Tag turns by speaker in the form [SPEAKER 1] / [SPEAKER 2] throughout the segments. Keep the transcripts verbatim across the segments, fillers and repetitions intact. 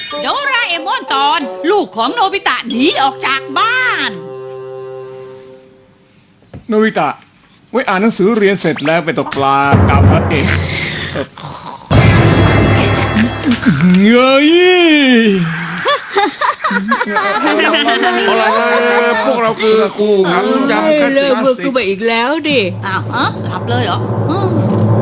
[SPEAKER 1] โดราเอมอนตอนลูกของโนบิตะหนีออกจากบ้าน
[SPEAKER 2] โนบิตะไว้อ่านหนังสือเรียนเสร็จแล้วไปตกปลากับพระเอกเงย
[SPEAKER 3] อะไรนะพวกเราคือคู่ขังยำกัน
[SPEAKER 4] เลิกเบื่อ
[SPEAKER 3] สิ
[SPEAKER 4] กูไปอีกแล้วดิ
[SPEAKER 1] อ้าวเออหลับเลยเหรออืม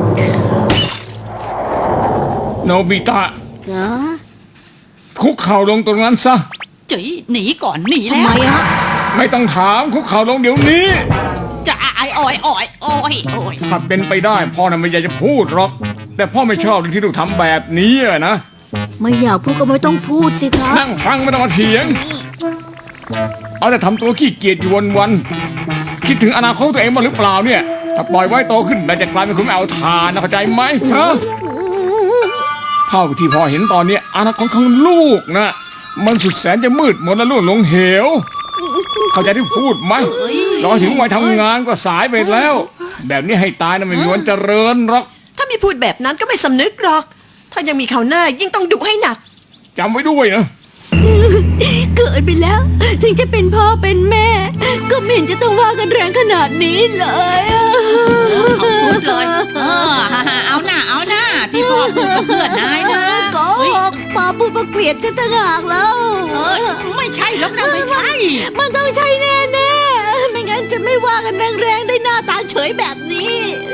[SPEAKER 2] โนบิตะ
[SPEAKER 4] ฮะ
[SPEAKER 2] คุกเข่าลงตรงนั้นซะ
[SPEAKER 1] จีหนีก่อนหนี
[SPEAKER 4] ทำ
[SPEAKER 1] แล้ว
[SPEAKER 4] ไมฮะ
[SPEAKER 2] ไม่ต้องถามคุกเข่าลงเดี๋ยวนี้
[SPEAKER 1] จะไอโอยโอยโอยโอย
[SPEAKER 2] ถ้าเป็นไปได้พ่อน่ะไม่อยากจะพูดหรอก แต่พ่อไม่ชอบที่ลูกทำแบบนี้อะนะ
[SPEAKER 4] ไม่อยากพูดก็ไม่ต้องพูดสิครับ
[SPEAKER 2] นั่งฟังไม่ต้องมาเถียง เอาแต่ทำตัวขี้เกียจอยู่วันๆคิดถึงอนาคตตัวเองบ้างหรือเปล่าเนี่ย ถ้าปล่อยไว้โตขึ้นแล้วจะกลายเป็นคนไม่เอาทานนะเข้าใจไหมฮะเท่าที่พ่อเห็นตอนนี้อนาคตของลูกนะมันสุดแสนจะมืดมนและล่วงลงเหว เข้าใจที่พูดไหมรอถึงวัยทำงานก็สายไปแล้ว แบบนี้ให้ตายนะไม่มีวันเจริญหรอก
[SPEAKER 5] ถ้ามีพูดแบบนั้นก็ไม่สำนึกหรอก ถ้ายังมีเขาวหน้ายิ่งต้องดุให้หนัก
[SPEAKER 2] จำไว้ด้วยนะ
[SPEAKER 4] เกิดไปแล้ว ถึงจะเป็นพ่อเป็นแม่ ก็ไม่เห็นจะต้องว่ากันแรงขนาดนี้เลยอะ
[SPEAKER 1] เอาสุดเลยเออเอาหน้าเอาหน้าที่พ่อพูดกับเพื่อนนายนะ
[SPEAKER 4] โก
[SPEAKER 1] เฮ้ย
[SPEAKER 4] หกมาพูดมาเกลียดฉันต่างหากแล้ว
[SPEAKER 1] เออไม่ใช่หรอกนะไม่ใช่
[SPEAKER 4] มันต้องใช่แน่แน่ๆไม่งั้นจะไม่ว่ากันแรงๆได้หน้าตาเฉยแบบนี้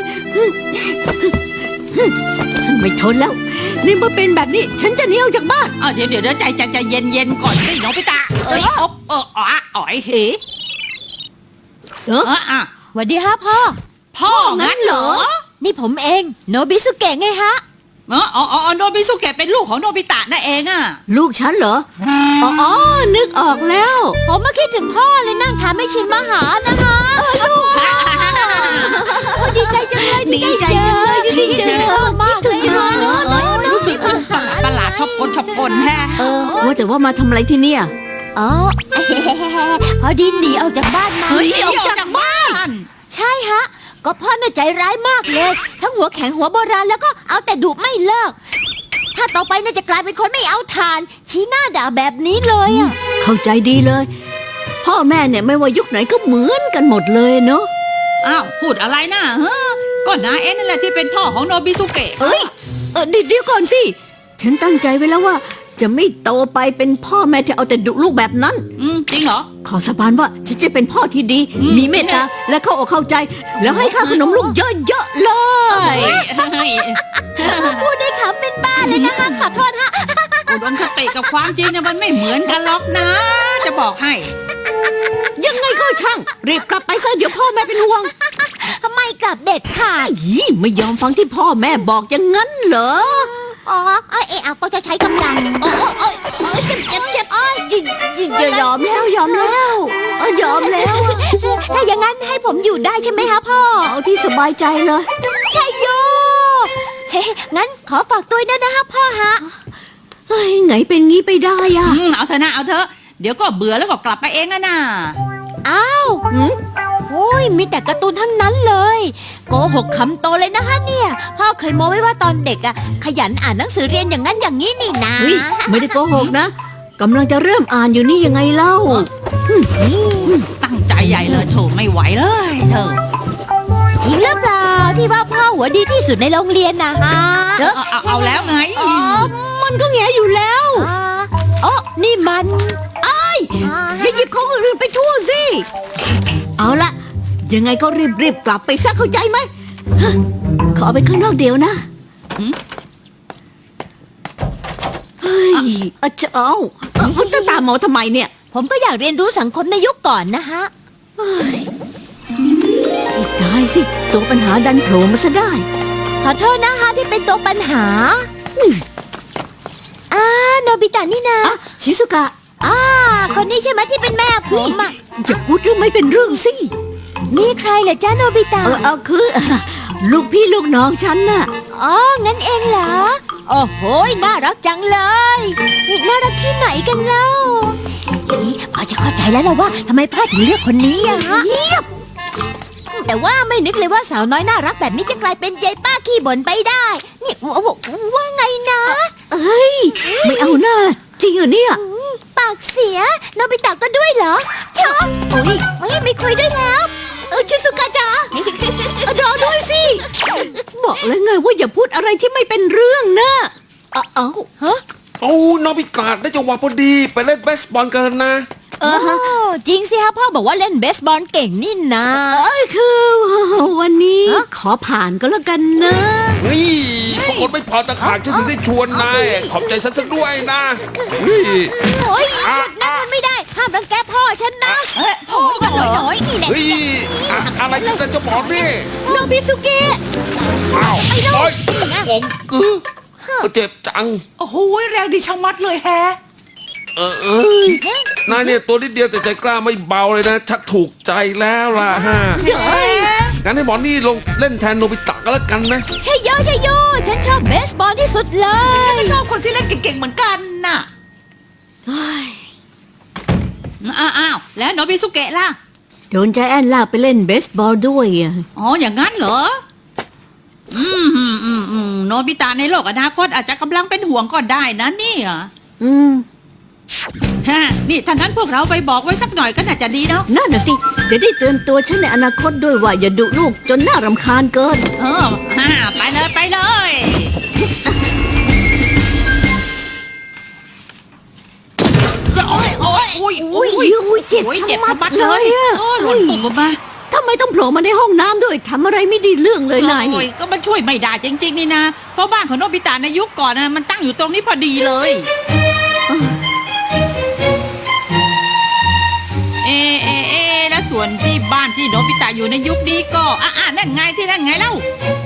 [SPEAKER 4] ไม่ทนแล้ว นี่เมื่อเป็นแบบนี้ ฉันจะหนีออกจากบ้าน
[SPEAKER 1] เออเดี๋ยวเดี๋ยวเดี๋ยวใจใจใจเย็นเย็นก่อนสิโนบิตะเอ้ยอบเอออ๋ออ๋อยเห
[SPEAKER 4] เออ
[SPEAKER 1] เอออ่ะ
[SPEAKER 6] สวัสดีฮะพ่อ
[SPEAKER 1] พ่องั้นเหรอ
[SPEAKER 6] นี่ผมเองโนบิสุเกะไงฮะ
[SPEAKER 1] เอออ๋ออ๋อโนบิสุเกะเป็นลูกของโนบิตะนั่นเองอ่ะ
[SPEAKER 4] ลูกฉันเหรอ อ๋ออ๋อนึกออกแล้ว
[SPEAKER 6] ผมมาคิดถึงพ่อเลยนั่งทานไม่ชินมาหานะคะลูกโอ้ดีใจจังเลย
[SPEAKER 4] ดี
[SPEAKER 6] ที่
[SPEAKER 4] ใจ
[SPEAKER 6] ได้เจ
[SPEAKER 4] จัง
[SPEAKER 6] อ
[SPEAKER 4] เลยที่ได้เจอ
[SPEAKER 6] มาก
[SPEAKER 4] คิด
[SPEAKER 6] เล
[SPEAKER 4] ถึ
[SPEAKER 6] ย
[SPEAKER 4] งจังเลย
[SPEAKER 1] เออรู้สึกมันประหลาดชอบกลชอบกลแฮะ
[SPEAKER 4] เออว่าแต่ว่ามาทำอะไรที่เนี่ย
[SPEAKER 6] อ๋อพอดีหนีออกจากบ้านมา
[SPEAKER 1] เฮ้ยออกจากบ้าน
[SPEAKER 6] ใช่ฮะ ก็พ่อน่ะใจร้ายมากเลย ทั้งหัวแข็งหัวโบราณแล้วก็เอาแต่ดุไม่เลิก ถ้าต่อไปน่าจะกลายเป็นคนไม่เอาทาน ชี้หน้าด่าแบบนี้เลยอะ
[SPEAKER 4] เข้าใจดีเลย พ่อแม่เนี่ยไม่ว่ายุคไหนก็เหมือนกันหมดเลยเนาะ
[SPEAKER 1] อ้าวพูดอะไรนะเฮ้อก็นายเองนั่นแหละที่เป็นพ่อของโนบิสุเกะ
[SPEAKER 4] เอ้ย เออเดี๋ยวก่อนสิ ฉันตั้งใจไว้แล้วว่า จะไม่โตไปเป็นพ่อแม่ที่เอาแต่ดุลูกแบบนั้น
[SPEAKER 1] อืมจริงเหรอ
[SPEAKER 4] ขอสาบานว่าฉันจะเป็นพ่อที่ดี
[SPEAKER 1] อืม
[SPEAKER 4] มีเมตตา และเข้าอกเข้าใจ แล้วให้ค่าขนมลูกเยอะๆเลย
[SPEAKER 1] เฮ้ยเฮ้ย
[SPEAKER 6] พูดได้ขำเป็นบ้าเลยนะคะขอโทษฮะ
[SPEAKER 1] อุดมคติกับความจริงเนี่ยมันไม่เหมือนกันหรอกนะ จะบอกให้
[SPEAKER 4] ยังไงก็ช่าง รีบกลับไปซะเดี๋ยวพ่อแม่เป็นห่วง
[SPEAKER 6] ทำไมกลับเด็ดขาด
[SPEAKER 4] อีไม่ยอมฟังที่พ่อแม่บอกอย่างนั้นเหรอ
[SPEAKER 6] อ๋อเออเอาก็จะใช้กำลัง
[SPEAKER 4] โอ้โอ้โอ้เจ็บเจ็บเจ็บอ้อยจะยอมแล้วยอมแล้วเออยอมแล้ว
[SPEAKER 6] ถ้าอย่างนั้นให้ผมอยู่ได้ใช่ไหมคะพ่อ
[SPEAKER 4] เอาที่สบายใจเลย
[SPEAKER 6] ใช่โยเฮ้งั้นขอฝากตัวด้วยนะคะพ่อฮะ
[SPEAKER 4] เฮ้ยไงเป็นงี้ไปได้อะ
[SPEAKER 1] อืมเอาเถอะนะเอาเถอะเดี๋ยวก็เบื่อแล้วก็กลับไปเองอะนะ
[SPEAKER 6] อ้าวหืมโอ้ยมีแต่การ์ตูนทั้งนั้นเลยโกหกคำโตเลยนะคะเนี่ย พ่อเคยโม้ไว้ว่าตอนเด็กอะขยันอ่านหนังสือเรียนอย่างนั้นอย่างนี้นี่นะ
[SPEAKER 4] เฮ้ยไม่ได้โกหกนะกำลังจะเริ่มอ่านอยู่นี่ยังไงเล่า
[SPEAKER 1] ตั้งใจใหญ่เลยโถไม่ไหวเลยเธอ
[SPEAKER 6] จริงหรือเปล่าที่ว่าพ่อหัวดีที่สุดในโรงเรียนนะฮะ
[SPEAKER 1] เอาเอาเอาแล้วไง
[SPEAKER 4] อ๋อ มันก็แงอยู่แล้ว
[SPEAKER 6] อ่าอ๋อนี่มัน
[SPEAKER 4] อย่าหยิบของอื่นๆไปทั่วสิ เอาละยังไงก็รีบๆกลับไปซะเข้าใจไหมฮะขอไปข้างนอกเดี๋ยวนะเฮ้ยอาเจ้าเอาคุณตาตามหมอทำไมเนี่ย
[SPEAKER 6] ผมก็อยากเรียนรู้สังคมในยุคก่อนนะฮะ
[SPEAKER 4] ตายสิตัวปัญหาดันโผล่มาซะได้
[SPEAKER 6] ขอโทษนะคะที่เป็นตัวปัญหาอ่าโนบิตะนี่นะ
[SPEAKER 4] อ่ะ ชิสุกะ
[SPEAKER 6] อ่าคนนี้ใช่ไหมที่เป็นแม่ผมอ่ะ
[SPEAKER 4] จะพูดเรื่องไม่เป็นเรื่องสิ
[SPEAKER 6] นี่ใครเหรอจ้าโนบิตะ
[SPEAKER 4] เออเอาคือ ลูกพี่ลูกน้องฉันน่ะ
[SPEAKER 6] อ๋องั้นเองเหรอโอ้โหน่ารักจังเลยนี่น่ารักที่ไหนกันเล่านี่พอจะเข้าใจแล้วล่ะว่าทำไมพ่อถึงเลือกคนนี้อะฮะ แต่ว่าไม่นึกเลยว่าสาวน้อยน่ารักแบบนี้จะกลายเป็นยายป้าขี้บ่นไปได้ นี่ว่าว่าไงนะ
[SPEAKER 4] เอ้ย ไม่เอาหน้า จงเหรอเนี่ย
[SPEAKER 6] ปากเสียโนบิตะก็ด้วยเหรอชอบโอ้ยโอ้ยไม่คุยด้วยแล้ว
[SPEAKER 4] เออชิสุกะจ๋าเออรอด้วยสิ บอกแล้วไงว่าอย่าพูดอะไรที่ไม่เป็นเรื่องนะเอาเอา
[SPEAKER 6] ฮะ
[SPEAKER 3] โอ้นอบิกาได้จังหวะพอดีไปเล่นเบสบอลกันนะ
[SPEAKER 6] โอ้จริงสิฮะพ่อบอกว่าเล่นเบสบอลเก่งนี่นะ
[SPEAKER 4] เอ้ยคือวันนี้ขอผ่านก็แล้วกันนะ
[SPEAKER 3] นี่พวกคนไม่พอตะขาดฉันถึงได้ชวนนายขอบใจฉันสักด้วยนะนี่
[SPEAKER 6] โอ้ยหยุดนั่นมันไม่ได้ห้ามรังแกพ่อฉันนะโอ้ยหน่อยหน่อยนี่แหละ
[SPEAKER 3] เฮ้ยอะอะไรกันนะเจะบอกนี่
[SPEAKER 4] โนบิสุเกะ
[SPEAKER 3] อ้าวโอ้ยองเออเจ็บจัง
[SPEAKER 5] โอ้โหแรงดีชะมัดเลยแฮะ
[SPEAKER 3] เออเอ้ยนายเนี่ยตัวนิดเดียวแต่ใจกล้าไม่เบาเลยนะ ชักถูกใจแล้วล่ะฮะงั้นให้หมอนี่ลงเล่นแทนโนบิตะก็แล้วกันนะ
[SPEAKER 6] ใช่โยใช่โยฉันชอบเบสบอลที่สุดเลย
[SPEAKER 5] ฉันก็ชอบคนที่เล่นเก่งๆเหมือนกันน่ะ
[SPEAKER 1] อ้าวอ้าวแล้วโนบิสุเกะล่ะ
[SPEAKER 4] โดนใจแอนลากไปเล่นเบสบอลด้วยอะ
[SPEAKER 1] อ๋ออย่างนั้นเหรอ อืมอืมอืมอืมโนบิตะในโลกอนาคตอาจจะกำลังเป็นห่วงก็ได้นะเนี่ย
[SPEAKER 4] อืม
[SPEAKER 1] ฮะนี่ถ้างั้นพวกเราไปบอกไว้สักหน่อยก็น่าจะดีเนาะ
[SPEAKER 4] นั่นน่ะสิ จะได้เตือนตัวฉันในอนาคตด้วยว่าอย่าดุลูกจนน่ารำคาญเกิน
[SPEAKER 1] เออฮ่าไปเลยไปเลย โอ้ยโอ้ยโอ้ย
[SPEAKER 4] อุ้ยอุ้ยเจ็บ
[SPEAKER 1] โอ้ยเจ็บ
[SPEAKER 4] ชะ
[SPEAKER 1] ชะ
[SPEAKER 4] มั
[SPEAKER 1] มั
[SPEAKER 4] ด
[SPEAKER 1] ด
[SPEAKER 4] เล
[SPEAKER 1] เลย ย
[SPEAKER 4] อะ
[SPEAKER 1] โอ้ยหล่นตกลงมา
[SPEAKER 4] ทำไมต้องโผล่มาในห้องน้ำด้วยทำอะไรไม่ดีเรื่องเลยนาย
[SPEAKER 1] โอ้
[SPEAKER 4] นี่
[SPEAKER 1] ยก็มันช่วยไม่ได้จริงๆนี่นะ เพราะบ้านของโนบิตะในยุคก่อนนะมันตั้งอยู่ตรงนี้พอดีเลย เอเอเอแล้วส่วนที่บ้านที่โนบิตะอยู่ในยุคนี้ก็อ่ะอ่ะนั่นไงที่นั่นไงเล่า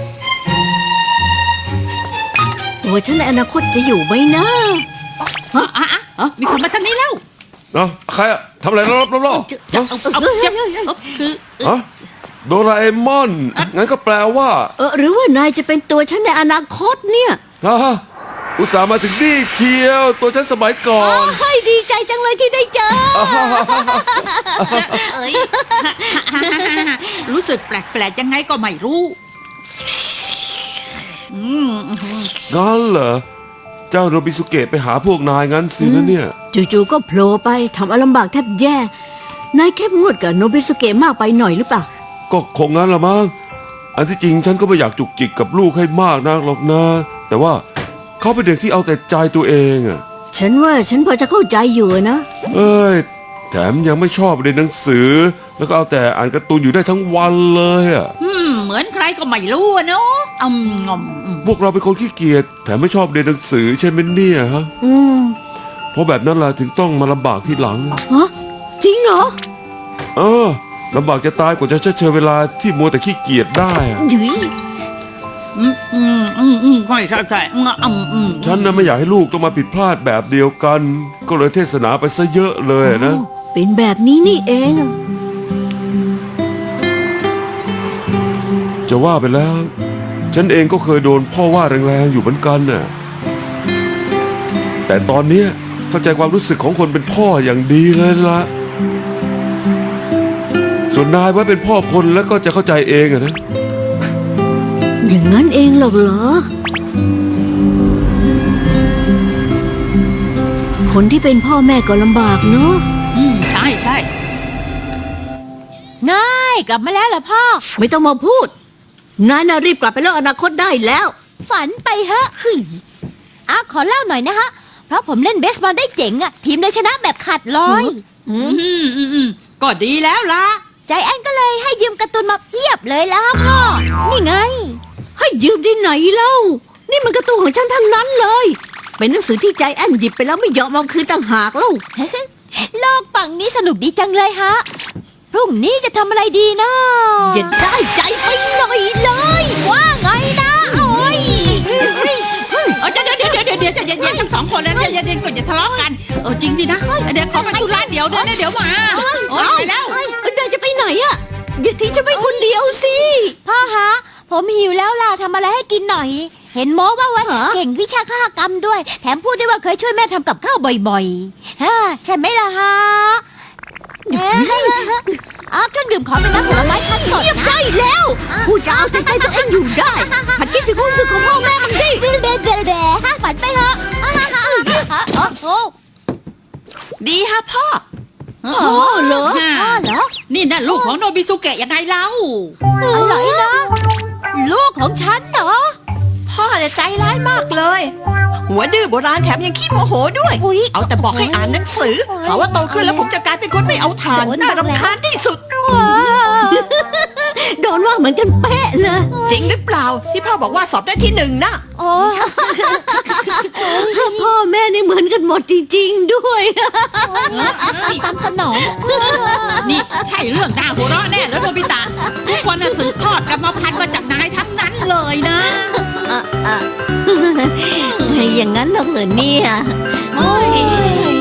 [SPEAKER 4] ตัวฉันในอนาคตจะอยู่ไหมนะ
[SPEAKER 1] อ่ะอ่ะอ่ะเออมีคนมาทางนี้แล้ว
[SPEAKER 3] เนาะใครอะทำอะไรรอบๆรอบ
[SPEAKER 1] จะเอาเอาจะเอาคือ
[SPEAKER 3] ๆฮะโดราเอมอน งั้นก็แปลว่า
[SPEAKER 4] เออหรือว่านายจะเป็นตัวฉันในอนาคตเนี่ย
[SPEAKER 3] ฮะอุตส่าห์มาถึงนี่เชียว ตัวฉันสมัยก่อ
[SPEAKER 4] อ๋อน ให้ดีใจจังเลยที่ได้เจอ
[SPEAKER 1] เอ้ยรู้สึกแปลกๆยังไงก็ไม่รู้อืม
[SPEAKER 3] งั้นเหรอ เจ้าโนบิสุเกะไปหาพวกนายงั้นสินะเนี่ย
[SPEAKER 4] จู่ๆก็โผล่ไปทำเอาลำบากแทบแย่ นายเข้มงวดกับโนบิสุเกะมากไปหน่อยหรือเปล่า
[SPEAKER 3] ก็คงงั้นละมั้ง อันที่จริงฉันก็ไม่อยากจุกจิกกับลูกให้มากนักหรอกนะ แต่ว่าเขาเป็นเด็กที่เอาแต่ใจตัวเองอะ
[SPEAKER 4] ฉันว่าฉันพอจะเข้าใจอยู่นะ
[SPEAKER 3] เอ้ย แถมยังไม่ชอบเรียนหนังสือ แล้วก็เอาแต่อ่านการ์ตูนอยู่ได้ทั้งวันเลยอะ
[SPEAKER 1] อืมเหมือนใครก็ไม่รู้อะเนาะอืมงอมอืม
[SPEAKER 3] พวกเราเป็นคนขี้เกียจ แถมไม่ชอบเรียนหนังสือใช่ไหมเนี่ยฮะ
[SPEAKER 4] อืม
[SPEAKER 3] เพราะแบบนั้นล่ะถึงต้องมาลำบากที่หลัง
[SPEAKER 4] ฮะจริงเหรอ
[SPEAKER 3] เออลำบากจะตายกว่าจะเฉยเวลาที่มัวแต่ขี้เกียจได้อะ
[SPEAKER 4] หยุย
[SPEAKER 1] อืมอืมอืมอืมใช่ใช่ใช่อืมอืมอืม
[SPEAKER 3] ฉันน่ะไม่อยากให้ลูกต้องมาผิดพลาดแบบเดียวกัน ก็เลยเทศนาไปซะเยอะเลยนะ
[SPEAKER 4] เป็นแบบนี้นี่เอง
[SPEAKER 3] จะว่าไปแล้ว ฉันเองก็เคยโดนพ่อว่าแรงๆอยู่เหมือนกันน่ะ แต่ตอนเนี้ยเข้าใจความรู้สึกของคนเป็นพ่ออย่างดีเลยละส่วนนายไว้เป็นพ่อคนแล้วก็จะเข้าใจเองอะนะ
[SPEAKER 4] อย่างนั้นเองหรอกเหรอ คนที่เป็นพ่อแม่ก็ลำบากเนอะ
[SPEAKER 1] อืมใช่ใช่
[SPEAKER 6] ง่ายกลับมาแล้วเหรอพ่อ
[SPEAKER 4] ไม่ต้องมาพูด นายน่ะรีบกลับไปเล่าอนาคตได้แล้ว
[SPEAKER 6] ฝันไปเฮะหึ่ยอ่ะขอเล่าหน่อยนะฮะ เพราะผมเล่นเบสบอลได้เจ๋งอะทีมเลยชนะแบบขาดลอย
[SPEAKER 1] อืมอืมอืมอืมก็ดีแล้วล่ะ
[SPEAKER 6] ใจแอนก็เลยให้ยืมการ์ตูนมาเพียบเลยแล้วครับพ่อ นี่ไง
[SPEAKER 4] ให้ยืมที่ไหนเล่า นี่มันการ์ตูนของฉันทั้งนั้นเลย เป็นหนังสือที่ใจแอนหยิบไปแล้วไม่ยอมเอาคืนต่างหากเล่า
[SPEAKER 6] โลกฝั่งนี้สนุกดีจังเลยฮะ พรุ่งนี้จะทำอะไรดีนะ
[SPEAKER 4] จะได้ใจไปหน่อยเลย
[SPEAKER 6] ว่าไงนะโอ้ย
[SPEAKER 1] เออเดี๋ยวเดี๋ยวเดี๋ยวเดี๋ยวเดี๋ยวใจเย็นๆทั้งสองคนเลยใจเย็นๆก่อนอย่าทะเลาะกัน เออจริงสินะเดี๋ยวขอไปธุระเดี๋ยวเดี๋ยวเดี๋ยวมาโอ้ยไปแล้ว
[SPEAKER 4] นายจะไปไหนอะอย่าทิ้งฉันไปคนเดียวสิ
[SPEAKER 6] พ่อฮะ ผมหิวแล้วล่ะทำอะไรให้กินหน่อย เห็นโม้ว่าว่า
[SPEAKER 4] ฮะ
[SPEAKER 6] เก่งวิชาฆาตกรรมด้วย แถมพูดได้ว่าเคยช่วยแม่ทำกับข้าวบ่อยๆฮะใช่ไหมล่ะฮะเอ๊ะอ๋อเครื่องดื่มขอเป็นน้ำผลไม้คั้นสด
[SPEAKER 4] เงียบ
[SPEAKER 6] นะ
[SPEAKER 4] ได้แล้วผู้จะเอาแต่ใจตัวเองอยู่ได้หัดคิดถึงความรู้สึกของพ่อแม่มันดิ
[SPEAKER 6] เบลเบลเบลเบลฮะฝันไปเถอะอ่าฮะฮะฮะโอ้โห
[SPEAKER 5] ดีฮะพ่อ
[SPEAKER 1] อ๋
[SPEAKER 4] อ๋อเหรอ
[SPEAKER 6] พ่อเหรอ
[SPEAKER 1] นี่น่ะลูกของโนบิสุเกะยังไงเล่า
[SPEAKER 6] อะไรนะ ลูกของฉันเหรอ
[SPEAKER 5] พ่อเนี่ยใจร้ายมากเลย หัวดื้อโบราณแถมยังขี้โมโหด้วย
[SPEAKER 6] อุ๊ย
[SPEAKER 5] เอาแต่บอกให้อ่านหนังสือเพราะว่าโตขึ้นแล้วผมจะกลายเป็นคนไม่เอาทาน
[SPEAKER 6] โดน
[SPEAKER 5] น่า
[SPEAKER 6] บ้างแล้ว
[SPEAKER 5] รำคาญที่สุด
[SPEAKER 6] ว้าว
[SPEAKER 4] โดนว่าเหมือนกันเป๊ะเลย
[SPEAKER 5] จริงหรือเปล่าที่พ่อบอกว่าสอบได้ที่หนึ่งนะ
[SPEAKER 6] โอ้
[SPEAKER 4] พ่อแม่นี่เหมือนกันหมดจริงๆด้วย
[SPEAKER 6] ตามสนอง
[SPEAKER 1] นี่ใช่เรื่องน่าหัวเราะแน่แล้วโนบิตะทุกคนน่ะสืบทอดกรรมพันธุ์มาจากนายทั้งนั้นเลยนะ
[SPEAKER 4] อย่างนั้นเหรอเหรอเนี่ย
[SPEAKER 6] โอ้ย